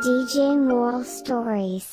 DJ Moral Stories.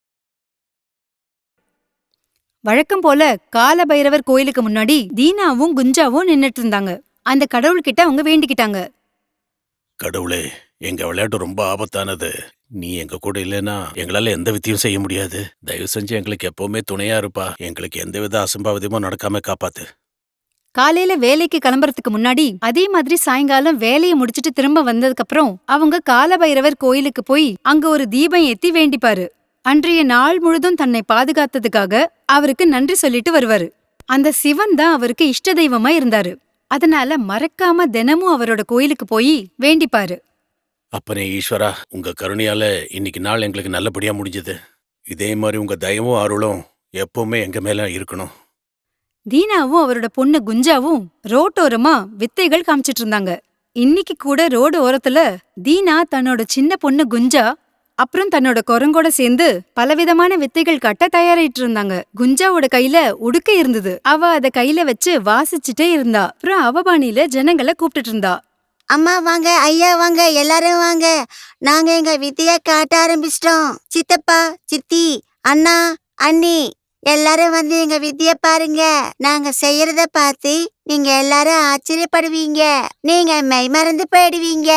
வழக்கம் போல கால பைரவர் கோயிலுக்கு முன்னாடி தீனாவும் குஞ்சாவும் நின்னுட்டு இருந்தாங்க. அந்த கடவுள்கிட்ட அவங்க வேண்டிக்கிட்டாங்க. கடவுளே, எங்க விளையாட்டு ரொம்ப ஆபத்தானது. நீ எங்க கூட இல்லைன்னா எங்களால எந்த வித்தையும் செய்ய முடியாது. தயவு செஞ்சு எங்களுக்கு எப்பவுமே துணையா இருப்பா. எங்களுக்கு எந்தவித அசம்பாவிதமும் நடக்காம காப்பாத்து. காலையில வேலைக்கு கிளம்புறதுக்கு முன்னாடி அதே மாதிரி சாயங்காலம் வேலையை முடிச்சிட்டு திரும்ப வந்ததுக்கு அப்புறம் அவங்க கால பைரவர் கோயிலுக்கு போய் அங்க ஒரு தீபம் ஏத்தி வேண்டிப்பாரு. அன்றைய நாள் முழுதும் தன்னை பாதுகாத்ததுக்காக அவருக்கு நன்றி சொல்லிட்டு வருவாரு. அந்த சிவன் தான் அவருக்கு இஷ்ட தெய்வமா இருந்தாரு. அதனால மறக்காம தினமும் அவரோட கோயிலுக்கு போய் வேண்டிப்பாரு. அப்பனே ஈஸ்வரா, உங்க கருணையால இன்னைக்கு நாள் எங்களுக்கு நல்லபடியா முடிஞ்சது. இதே மாதிரி உங்க தயவும் அருளும் எப்பவுமே எங்க மேல இருக்கணும். தீனாவும் அவரோட பொண்ணு குஞ்சாவும் ரோட்டோரமா வித்தைகள் காமிச்சிட்டு இருந்தாங்க. இன்னைக்கு கூட ரோடு ஓரத்துல தீனா தன்னோட சின்ன பொண்ணு குஞ்சா அப்புறம் தன்னோட குரங்கோட சேர்ந்து பலவிதமான வித்தைகள் காட்ட தயாரிட்டு இருந்தாங்க. குஞ்சாவோட கையில உடுக்கை இருந்தது. அவ அத கையில வச்சு வாசிச்சுட்டே இருந்தா. அப்புறம் அவ பாணியில ஜனங்களை கூப்பிட்டுட்டு இருந்தா. அம்மா வாங்க, ஐயா வாங்க, எல்லாரும் வாங்க. நாங்க எங்க வித்தைய காட்ட ஆரம்பிச்சிட்டோம். சித்தப்பா, சித்தி, அண்ணா, அண்ணி எல்லாரும் வந்து எங்க வித்திய பாருங்க. நாங்க செய்யறத பார்த்து நீங்க எல்லாரும் ஆச்சரியப்படுவீங்க. நீங்க மெய் மறந்து போயிடுவீங்க.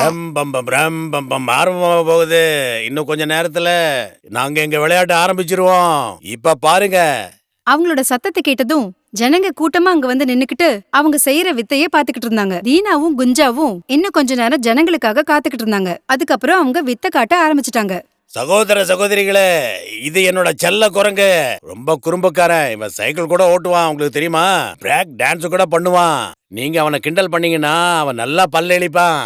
ஆரம்பமா போகுது. இன்னும் கொஞ்ச நேரத்துல நாங்க எங்க விளையாட்டு ஆரம்பிச்சிருவோம். இப்ப பாருங்க. அவங்களோட சத்தத்தை கேட்டதும் ஜனங்க கூட்டமா அங்க வந்து நின்னுக்கிட்டு அவங்க செய்யற வித்தைய பாத்துக்கிட்டு இருந்தாங்க. தீனாவும் குஞ்சாவும் இன்னும் கொஞ்ச நேரம் ஜனங்களுக்காக காத்துக்கிட்டு இருந்தாங்க. அதுக்கப்புறம் அவங்க வித்தை காட்ட ஆரம்பிச்சிட்டாங்க. சகோதர சகோதரிகளே, இது என்னோட செல்ல குரங்கு. ரொம்ப குறும்புக்காரன். இவன் சைக்கிள் கூட ஓட்டுவான், உங்களுக்கு தெரியுமா? பிரேக் டான்ஸ் கூட பண்ணுவான். நீங்க அவனை கிண்டல் பண்ணீங்கன்னா அவன் நல்லா பல்லெளிப்பான்.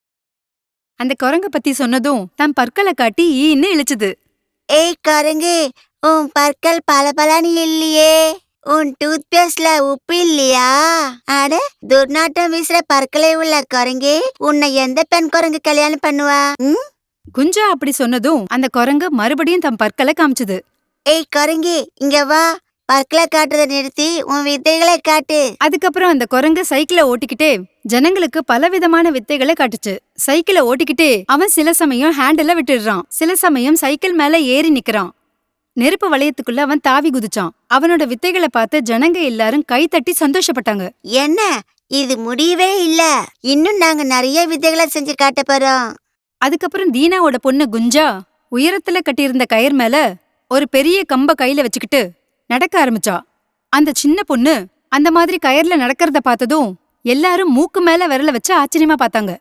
அந்த குரங்க பத்தி சொன்னதும் தன் பற்களை காட்டி ஈன்னு இழிச்சுது. ஏய் குரங்கு, உன் பற்கள் பளபளன்னு இல்லையே. உன் டூத் பேஸ்ட்ல உப்பு இல்லையா? அட, துர்நாற்றம் வீசுற பற்களை உள்ள குரங்கு, உன்னை எந்த பெண் குரங்கு கல்யாணம் பண்ணுவா? குஞ்சா அப்படி சொன்னதும் அந்த குரங்கு மறுபடியும் தன் பற்களை காமிச்சுது. ஏய் குரங்கு, இங்க வா. பற்களை காட்டுறத நிறுத்தி உன் வித்தைகளை காட்டு. அதுக்கப்புறம் அந்த குரங்கு சைக்கிளை ஓட்டிக்கிட்டே ஜனங்களுக்கு பலவிதமான வித்தைகளை காட்டுச்சு. சைக்கிளை ஓட்டிக்கிட்டே அவன் சில சமயம் ஹேண்டில விட்டுடுறான், சில சமயம் சைக்கிள் மேல ஏறி நிக்கிறான். நெருப்பு வளையத்துக்குள்ள அவன் தாவி குதிச்சான். அவனோட வித்தைகளை பார்த்து ஜனங்க எல்லாரும் கை தட்டி சந்தோஷப்பட்டாங்க. என்ன, இது முடியவே இல்ல. இன்னும் நாங்க நிறைய வித்தைகளை செஞ்சு காட்ட போறோம். அதுக்கப்புறம் தீனாவோட பொண்ணு குஞ்சா உயரத்துல கட்டியிருந்த கயிறு மேல ஒரு பெரிய கம்ப கையில வச்சுக்கிட்டு நடக்க ஆரம்பிச்சா. அந்த சின்ன பொண்ணு அந்த மாதிரி கயிறுல நடக்கிறத பார்த்ததும் எல்லாரும் மூக்கு மேல விரல வச்சு ஆச்சரியமா பார்த்தாங்க.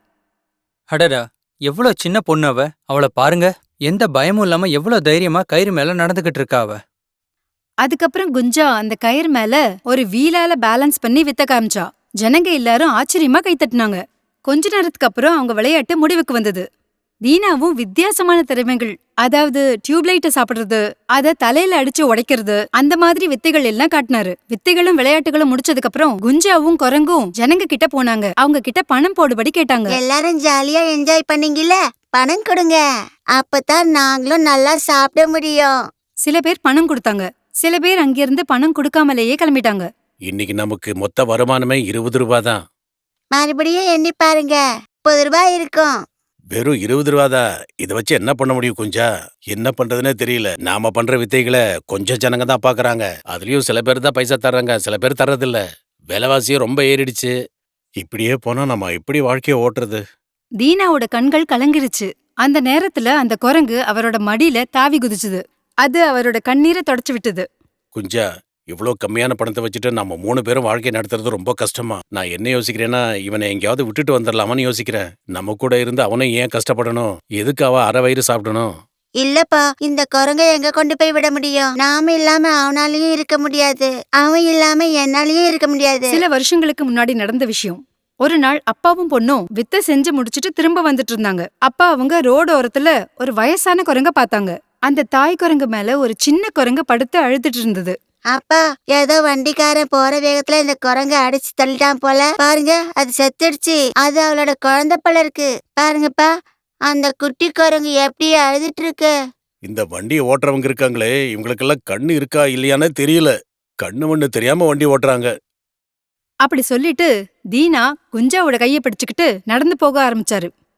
அடடா, எவ்வளோ சின்ன பொண்ணு அவ! அவளை பாருங்க, எந்த பயமும் இல்லாம எவ்வளோ தைரியமா கயிறு மேல நடந்துகிட்டு இருக்கா அவ. அதுக்கப்புறம் குஞ்சா அந்த கயிறு மேல ஒரு வீலால பேலன்ஸ் பண்ணி வித்த காமிச்சா. ஜனங்க எல்லாரும் ஆச்சரியமா கைத்தட்டினாங்க. கொஞ்ச நேரத்துக்கு அப்புறம் அவங்க விளையாட்டு முடிவுக்கு வந்தது. தீனாவும் வித்தியாசமான திறமைகள், அதாவது டியூப்லைட்ட சாப்பிடுறது, அத தலையில அடிச்சு உடைக்கிறது, அந்த மாதிரி வித்தைகள் எல்லாம் காட்டினாரு. வித்தைகளும் விளையாட்டுகளும் முடிச்சதுக்கு அப்புறம் குஞ்சாவும் குரங்கும் ஜனங்க கிட்ட போனாங்க. அவங்க கிட்ட பணம் போடுபடி கேட்டாங்க. எல்லாரும் ஜாலியா என்ஜாய் பண்ணீங்கல்ல, பணம் கொடுங்க. அப்பதான் நாங்களும் நல்லா சாப்பிட முடியும். சில பேர் பணம் கொடுத்தாங்க, சில பேர் அங்கிருந்து பணம் கொடுக்காமலேயே கிளம்பிட்டாங்க. இன்னைக்கு நமக்கு மொத்த வருமானமே 20 ரூபாய் தான். மறுபடியும் எண்ணி பாருங்க, 30 ரூபாய் இருக்கும். வெறும் 20 ரூபாதான். இதை வச்சு என்ன பண்ண முடியும் குஞ்சா? என்ன பண்றதுன்னே தெரியல. நாம பண்ற வித்தைகளை கொஞ்சம் ஜனங்க தான் பாக்குறாங்க. அதுலயும் சில பேர் தான் பைசா தர்றாங்க, சில பேர் தர்றதில்ல. விலைவாசியும் ரொம்ப ஏறிடுச்சு. இப்படியே போனா நம்ம எப்படி வாழ்க்கைய ஓட்டுறது? தீனாவோட கண்கள் கலங்கிருச்சு. அந்த நேரத்துல அந்த குரங்கு அவரோட மடியில தாவி குதிச்சுது. அது அவரோட கண்ணீரை தொடச்சு விட்டது. குஞ்சா, இவ்வளோ கம்மியான பணத்தை வச்சுட்டு நம்ம 3 பேரும் வாழ்க்கை நடத்துறது ரொம்ப கஷ்டமா. நான் என்ன யோசிக்கிறேன்னா, இவனை எங்கேயாவது விட்டுட்டு வந்துடலாமான்னு யோசிக்கிறேன். நம்ம கூட இருந்து அவனும் ஏன் கஷ்டப்படணும்? எதுக்கு அவ அரை வயிறு சாப்பிடணும்? இல்லப்பா, இந்த குரங்கை எங்க கொண்டு போய் விட முடியும்? நாம இல்லாம அவனாலயும் இருக்க முடியாது, அவன் இல்லாம என்னாலயும் இருக்க முடியாது. சில வருஷங்களுக்கு முன்னாடி நடந்த விஷயம். ஒரு நாள் அப்பாவும் பொண்ணும் வித்தை செஞ்சு முடிச்சிட்டு திரும்ப வந்துட்டு இருந்தாங்க. அப்பா அவங்க ரோடு ஓரத்துல ஒரு வயசான குரங்க பார்த்தாங்க. அந்த தாய் குரங்கு மேல ஒரு சின்ன குரங்கு படுத்து அழுதுட்டு இருந்தது. அப்பா, ஏதோ வண்டிக்காரன் போற வேகத்துல இந்த குரங்க அடிச்சு தள்ளிட்டான் போல. பாருங்க, அது செத்துடுச்சு. அது அவளோட குழந்தை போல இருக்கு. பாருங்கப்பா, அந்த குட்டி குரங்கு எப்படி அழுதுட்டு இருக்கு. இந்த வண்டியை ஓட்டுறவங்க இருக்காங்களே, இவங்களுக்கெல்லாம் கண்ணு இருக்கா இல்லையானே தெரியல. கண்ணு மண்ணு தெரியாம வண்டி ஓட்டுறாங்க. அப்படி சொல்லிட்டு தீனா குஞ்சாவோட கைய பிடிச்சுக்கிட்டு நடந்து போக ஆரம்பிச்சாரு.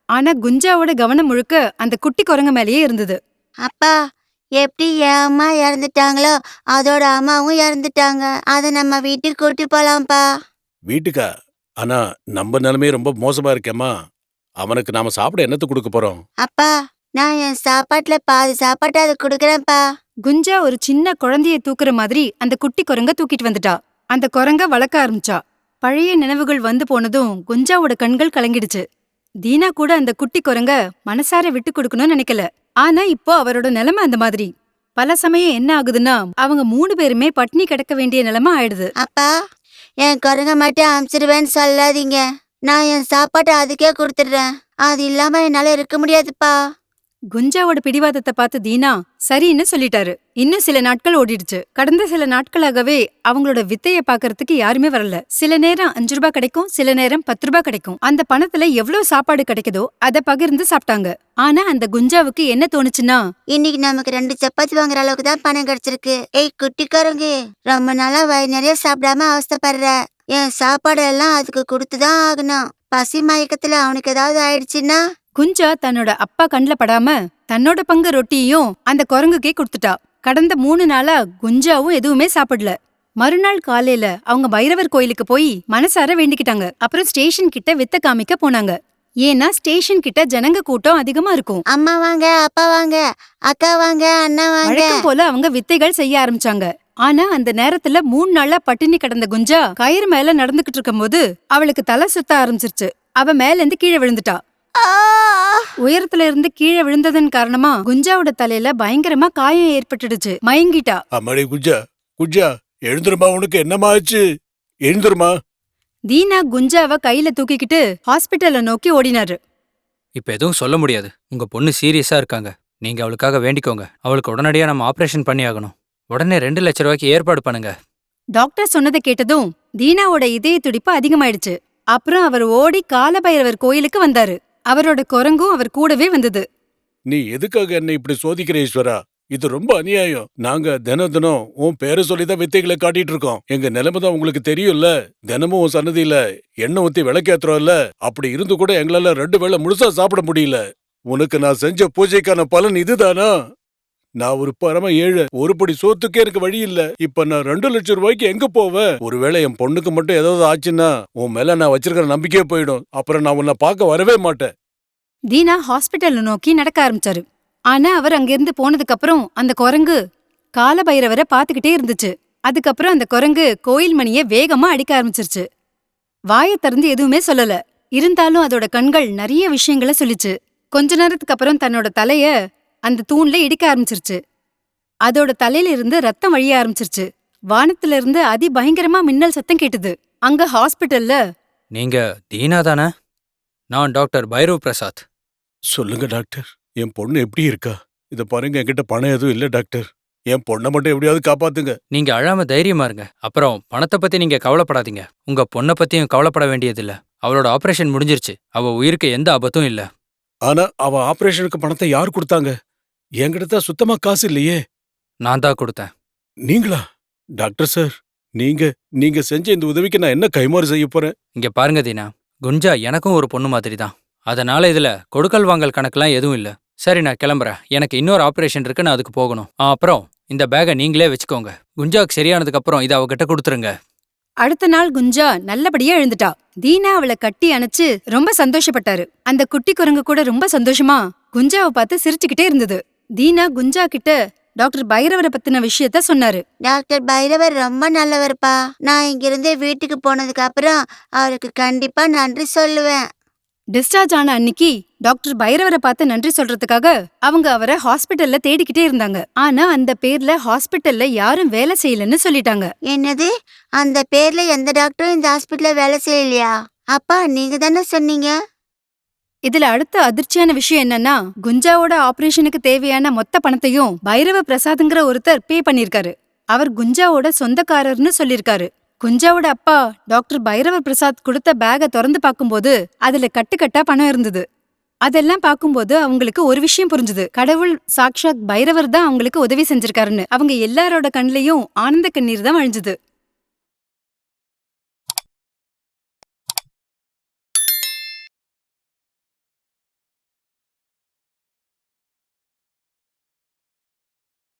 ஆனா குஞ்சாவோட கவனம் முழுக்க அந்த குட்டி குரங்கு மேலேயே இருந்தது. அப்பா, எப்படி என் அம்மா இறந்துட்டாங்களோ அதோட அம்மாவும் இறந்துட்டாங்க. அதை நம்ம வீட்டுக்கு கூட்டி போலாம்ப்பா. வீட்டுக்கா? ஆனா நம்ம நிலைமை ரொம்ப மோசமா இருக்கேம்மா. அவனுக்கு நாம சாப்பிட என்னத்த கொடுக்க போறோம்? அப்பா, நான் என் சாப்பாட்டுல பாதி சாப்பாட்டை அதை கொடுக்குறேன்ப்பா. குஞ்சா ஒரு சின்ன குழந்தைய தூக்குற மாதிரி அந்த குட்டி குரங்க தூக்கிட்டு வந்துட்டா. அந்த குரங்க வளர்க்க ஆரம்பிச்சா. பழைய நினைவுகள் வந்து போனதும் குஞ்சாவோட கண்கள் கலங்கிடுச்சு. தீனா கூட அந்த குட்டி குரங்க மனசார விட்டு கொடுக்கணும்னு நினைக்கல. ஆனா இப்போ அவரோட நிலைமை அந்த மாதிரி. பல சமயம் என்ன ஆகுதுன்னா அவங்க 3 பேருமே பட்னி கிடக்க வேண்டிய நிலைமை ஆயிடுது. அப்பா, என் குரங்க மட்டும் அனுப்பிச்சிடுவேன்னு சொல்லாதீங்க. நான் என் சாப்பாட்டை அதுக்கே கொடுத்துடுறேன். அது இல்லாம என்னால இருக்க முடியாதுப்பா. குஞ்சாவோட பிடிவாதத்தை பார்த்து தீனா சரின்னு சொல்லிட்டாரு. இன்னும் சில நாட்கள் ஓடிடுச்சு. கடந்த சில நாட்களாகவே அவங்களோட வித்தைய பாக்கறதுக்கு யாருமே வரல. சில நேரம் 5 ரூபாய் கிடைக்கும், சில நேரம் 10 ரூபாய் கிடைக்கும். அந்த பணத்துல எவ்வளவு சாப்பாடு கிடைக்குதோ அதை பகிர்ந்து சாப்பிட்டாங்க. ஆனா அந்த குஞ்சாவுக்கு என்ன தோணுச்சுன்னா, இன்னைக்கு நமக்கு 2 சப்பாத்தி வாங்குற அளவுக்கு தான் பணம் கிடைச்சிருக்கு. ஏய் குட்டி குரங்கு, ரொம்ப நாளா வயிறு நிறைய சாப்பிடாம அவஸ்தைப்படுற. என் சாப்பாடு எல்லாம் அதுக்கு கொடுத்துதான் ஆகணும். பசி மயக்கத்துல அவனுக்கு ஏதாவது ஆயிடுச்சுன்னா? குஞ்சா தன்னோட அப்பா கண்ல படாம தன்னோட பங்கு ரொட்டியையும் அந்த குரங்குக்கே கொடுத்துட்டா. கடந்த 3 நாளா குஞ்சாவும் எதுவுமே சாப்பிடல. மறுநாள் காலையில அவங்க பைரவர் கோயிலுக்கு போய் மனசார வேண்டிக்கிட்டாங்க. அப்புறம் ஸ்டேஷன் கிட்ட வித்த காமிக்க போனாங்க. ஏன்னா ஸ்டேஷன் கிட்ட ஜனங்க கூட்டம் அதிகமா இருக்கும். அம்மா வாங்க, அப்பா வாங்க, அக்கா வாங்க, அண்ணா வாங்க. வழக்கம் போல அவங்க வித்தைகள் செய்ய ஆரம்பிச்சாங்க. ஆனா அந்த நேரத்துல 3 நாளா பட்டினி கிடந்த குஞ்சா கயிறு மேல நடந்துகிட்டு இருக்கும்போது அவளுக்கு தலை சுத்த ஆரம்பிச்சிருச்சு. அவ மேல இருந்து கீழே விழுந்துட்டா. உயரத்துல இருந்து கீழே விழுந்ததன் காரணமா குஞ்சாவோட தலையில பயங்கரமா காயம் ஏற்பட்டுடுச்சு. மயங்கிட்டா. அம்மாடி குஞ்சா, குஞ்சா எழுந்துருமா, உனக்கு என்னம்மா ஆச்சு? எழுந்துருமா. தீனா குஞ்சாவ கையில தூக்கிக்கிட்டு ஹாஸ்பிட்டலை நோக்கி ஓடினாரு. இப்ப எதுவும் சொல்ல முடியாது. உங்க பொண்ணு சீரியஸா இருக்காங்க. நீங்க அவளுக்காக வேண்டிக்கோங்க. அவளுக்கு உடனடியா நம்ம ஆபரேஷன் பண்ணி ஆகணும். உடனே 2 லட்சம் ரூபாய்க்கு ஏற்பாடு பண்ணுங்க. டாக்டர் சொன்னதை கேட்டதும் தீனாவோட இதய துடிப்பு அதிகமாயிடுச்சு. அப்புறம் அவர் ஓடி காலபைரவர் கோயிலுக்கு வந்தாரு. அவரோட குரங்கும் அவர் கூடவே வந்தது. நீ எதுக்காக என்ன இப்படி சோதிக்கிற ஈஸ்வரா? இது ரொம்ப அநியாயம். நாங்க தினம் தினம் உன் பேரை சொல்லிதான் வித்தைகளை காட்டிட்டு இருக்கோம். எங்க நிலைமை தான் உங்களுக்கு தெரியும்ல. தினமும் உன் சன்னதியில எண்ணெய் ஊத்தி விளக்கேத்துறோம்ல. அப்படி இருந்து கூட எங்களால 2 வேளை முழுசா சாப்பிட முடியல. உனக்கு நான் செஞ்ச பூஜைக்கான பலன் இதுதானா? நான் ஒரு பரம ஏழை. ஒரு படி சோத்துக்கே எனக்கு வழி இல்ல. இப்ப நான் 2 லட்சம் ரூபாய்க்கு எங்க போவேன்? ஒருவேளை என் பொண்ணுக்கு மட்டும் ஏதாவது ஆச்சுன்னா உன் மேல நான் வச்சிருக்கிற நம்பிக்கையே போயிடும். அப்புறம் நான் உன்னை பார்க்க வரவே மாட்டேன். தீனா ஹாஸ்பிட்டலை நோக்கி நடக்க ஆரம்பிச்சாரு. ஆனா அவர் அங்கிருந்து போனதுக்கு அப்புறம் அந்த குரங்கு காலபைரவரை பாத்துக்கிட்டே இருந்துச்சு. அதுக்கப்புறம் அந்த குரங்கு கோயில் மணிய வேகமா அடிக்க ஆரம்பிச்சிருச்சு. வாயை திறந்து எதுவுமே சொல்லல. இருந்தாலும் அதோட கண்கள் நிறைய விஷயங்களை சொல்லிச்சு. கொஞ்ச நேரத்துக்கு அப்புறம் தன்னோட தலைய அந்த தூண்ல இடிக்க ஆரம்பிச்சிருச்சு. அதோட தலையில இருந்து ரத்தம் வழிய ஆரம்பிச்சிருச்சு. வானத்துல இருந்து அதிபயங்கரமா மின்னல் சத்தம் கேட்டுது. அங்க ஹாஸ்பிட்டல்ல, நீங்க தீனா தானே? நான் டாக்டர் பைரவ் பிரசாத். சொல்லுங்க டாக்டர், என் பொண்ணு எப்படி இருக்கா? இத பாருங்க, என்கிட்ட பணம் எதுவும் இல்ல டாக்டர். என் பொண்ணை மட்டும் எப்படியாவது காப்பாத்துங்க. நீங்க அழாம தைரியமா இருங்க. அப்புறம் பணத்தை பத்தி நீங்க கவலைப்படாதீங்க. உங்க பொண்ணை பத்தியும் கவலைப்பட வேண்டியதில்ல. அவளோட ஆபரேஷன் முடிஞ்சிருச்சு. அவ உயிருக்கு எந்த ஆபத்தும் இல்ல. ஆனா அவ ஆபரேஷனுக்கு பணத்தை யார் கொடுத்தாங்க? என்கிட்ட தான் சுத்தமா காசு இல்லையே. நான் தான் கொடுத்தேன். நீங்களா? டாக்டர் சார், நீங்க செஞ்ச இந்த உதவிக்கு நான் என்ன கைமாறு செய்ய போறேன்? இங்க பாருங்க தீனா, குஞ்சா எனக்கும் ஒரு பொண்ணு மாதிரி தான். அதனால இதுல கொடுக்கல் வாங்கல் கணக்கெல்லாம் எதுவும் இல்ல. சரி, நான் கிளம்புறேன். எனக்கு இன்னொரு ஆபரேஷன் இருக்கு, நான் அதுக்கு போகணும். அப்புறம் இந்த பேகை நீங்களே வச்சுக்கோங்க. குஞ்சாவுக்கு சரியானதுக்கு அப்புறம் இதை அவகிட்ட கொடுத்துருங்க. அடுத்த நாள் குஞ்சா நல்லபடியா எழுந்துட்டா. தீனா அவளை கட்டி அணைச்சு ரொம்ப சந்தோஷப்பட்டாரு. அந்த குட்டி குரங்கு கூட ரொம்ப சந்தோஷமா குஞ்சாவை பார்த்து சிரிச்சுக்கிட்டே இருந்தது. தீனா குஞ்சா கிட்ட டாக்டர் பைரவரை பத்தின விஷயத்த சொன்னாரு. டாக்டர் பைரவர் ரொம்ப நல்லவர்ப்பா. நான் இங்கிருந்து வீட்டுக்கு போனதுக்கு அப்புறம் அவருக்கு கண்டிப்பா நன்றி சொல்லுவேன். டிஸ்சார்ஜ் ஆன அன்னிக்கு டாக்டர் பைரவரை பார்த்து நன்றி சொல்றதுக்காக அவங்க அவரை ஹாஸ்பிட்டல்ல தேடிக்கிட்டே இருந்தாங்க. ஆனா அந்த பேர்ல ஹாஸ்பிட்டல்ல யாரும் வேலை செய்யலன்னு சொல்லிட்டாங்க. என்னது? அந்த பேர்ல எந்த டாக்டரும் இந்த ஹாஸ்பிட்டல்ல வேலை செய்யலையா? அப்பா, நீங்க தானே சொன்னீங்க. இதுல அடுத்த அதிர்ச்சியான விஷயம் என்னன்னா, குஞ்சாவோட ஆபரேஷனுக்கு தேவையான மொத்த பணத்தையும் பைரவ பிரசாத்ங்கிற ஒருத்தர் பே பண்ணிருக்காரு. அவர் குஞ்சாவோட சொந்தக்காரர்னு சொல்லிருக்காரு. குஞ்சாவோட அப்பா டாக்டர் பைரவ பிரசாத் கொடுத்த பேக திறந்து பார்க்கும்போது அதுல கட்டுக்கட்டா பணம் இருந்தது. அதெல்லாம் பார்க்கும்போது அவங்களுக்கு ஒரு விஷயம் புரிஞ்சுது. கடவுள் சாக்ஷாத் பைரவர் தான் அவங்களுக்கு உதவி செஞ்சிருக்காருன்னு. அவங்க எல்லாரோட கண்லயும் ஆனந்த கண்ணீர் தான் வழிஞ்சுது.